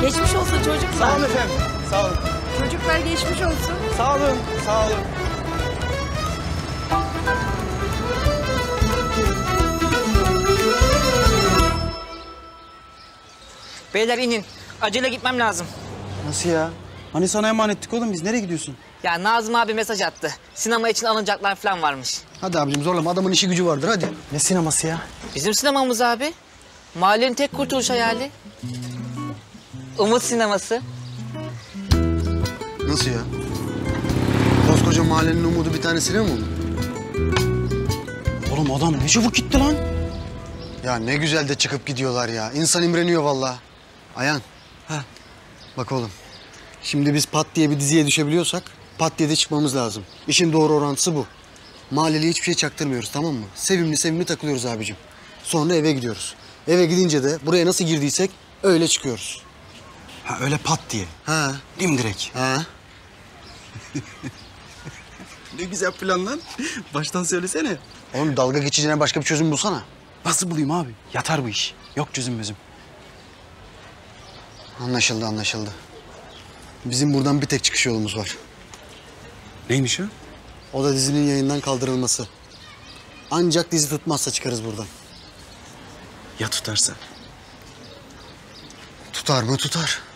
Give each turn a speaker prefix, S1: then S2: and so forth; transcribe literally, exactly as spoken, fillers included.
S1: Geçmiş olsun çocuklar.
S2: Sağ olun efendim. Sağ olun.
S1: Çocuklar geçmiş olsun.
S2: Sağ olun. Sağ olun.
S3: Beyler inin. Acele gitmem lazım.
S4: Nasıl ya? Hani sana emanettik oğlum, biz nereye gidiyorsun?
S3: Ya Nazım abi mesaj attı. Sinema için alınacaklar falan varmış.
S4: Hadi abicim zorlama, adamın işi gücü vardır hadi. Ne sineması ya?
S3: Bizim sinemamız abi. Mahallenin tek kurtuluş hayali. Umut sineması.
S5: Nasıl ya? Koskoca mahallenin umudu bir tane sinema mı?
S4: Oğlum adam ne çabuk gitti lan.
S5: Ya ne güzel de çıkıp gidiyorlar ya. İnsan imreniyor vallahi. Ayhan.
S4: Ha.
S5: Bak oğlum. Şimdi biz Pat diye bir diziye düşebiliyorsak Pat diye de çıkmamız lazım. İşin doğru orantısı bu. Mahalleliye hiçbir şey çaktırmıyoruz, tamam mı? Sevimli sevimli takılıyoruz abicim. Sonra eve gidiyoruz. Eve gidince de buraya nasıl girdiysek öyle çıkıyoruz.
S4: Ha öyle pat diye.
S5: Ha.
S4: Dimdirek.
S5: Ha.
S4: Ne güzel plan lan. Baştan söylesene.
S5: Oğlum dalga geçeceğine başka bir çözüm bulsana.
S4: Nasıl bulayım abi? Yatar bu iş. Yok çözüm gözüm.
S5: Anlaşıldı, anlaşıldı. Bizim buradan bir tek çıkış yolumuz var.
S4: Neymiş o?
S5: O da dizinin yayından kaldırılması. Ancak dizi tutmazsa çıkarız buradan.
S4: Ya tutarsa?
S5: Tutar mı tutar.